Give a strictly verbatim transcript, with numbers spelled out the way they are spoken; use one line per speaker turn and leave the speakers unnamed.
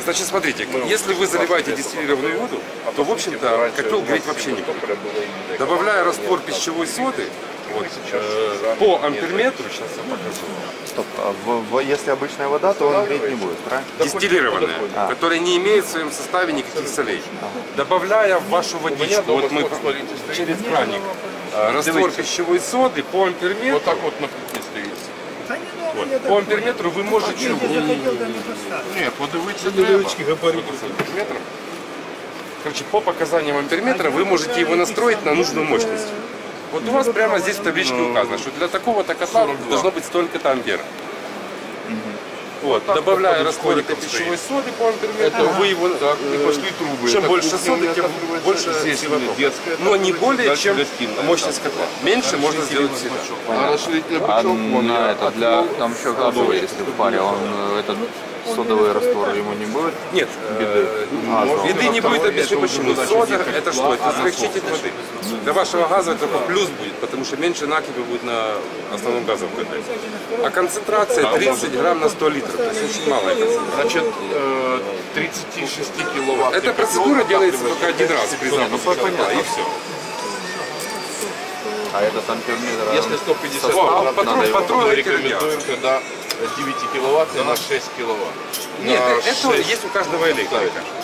Значит, смотрите, если вы заливаете дистиллированную воду, то, в общем-то, котел греть вообще не будет. Добавляя раствор пищевой соды, вот, э, по амперметру, сейчас я покажу.
Стоп, а в, в, если обычная вода, то он греть не будет, правильно?
Дистиллированная,
а.
которая не имеет в своем составе никаких солей. Добавляя в вашу водичку, вот мы через краник, э, раствор пищевой соды по амперметру,
вот так вот на кухне стоит.
вот, по амперметру вы можете...
Нет, подивитися треба.
Короче, по показаниям амперметра вы можете его настроить на нужную мощность. Вот у вас прямо здесь в табличке указано, что для такого-то котла должно быть столько-то ампер. Вот, добавляя раствор этой пищевой соды по амперметру, вы его,
пошли трубы.
чем больше соды, тем больше сила тока. Но не более, чем мощность котла. Меньше можно сделать всегда.
А на это для там еще газовый, если в паре, он этот содовый раствор ему не будет?
Нет,
беды.
А, беды не будет, объясню почему. Сода это что? Это смягчитель воды. Для вашего газа это только плюс будет, потому что меньше накипи будет на основном газовом котле. А концентрация тридцать грамм на сто литров, то есть очень малая концентрация.
Значит, тридцать шесть киловатт.
Эта процедура делается только один раз при запуске котла, и все.
А этот амперметр,
Если сто пятьдесят
О,
киловатт,
патрон-
надо его,
патрон
мы
рекомендуем.
рекомендуем тогда девять киловатт на шесть киловатт.
Нет,
На
это
шесть.
есть у каждого электрика.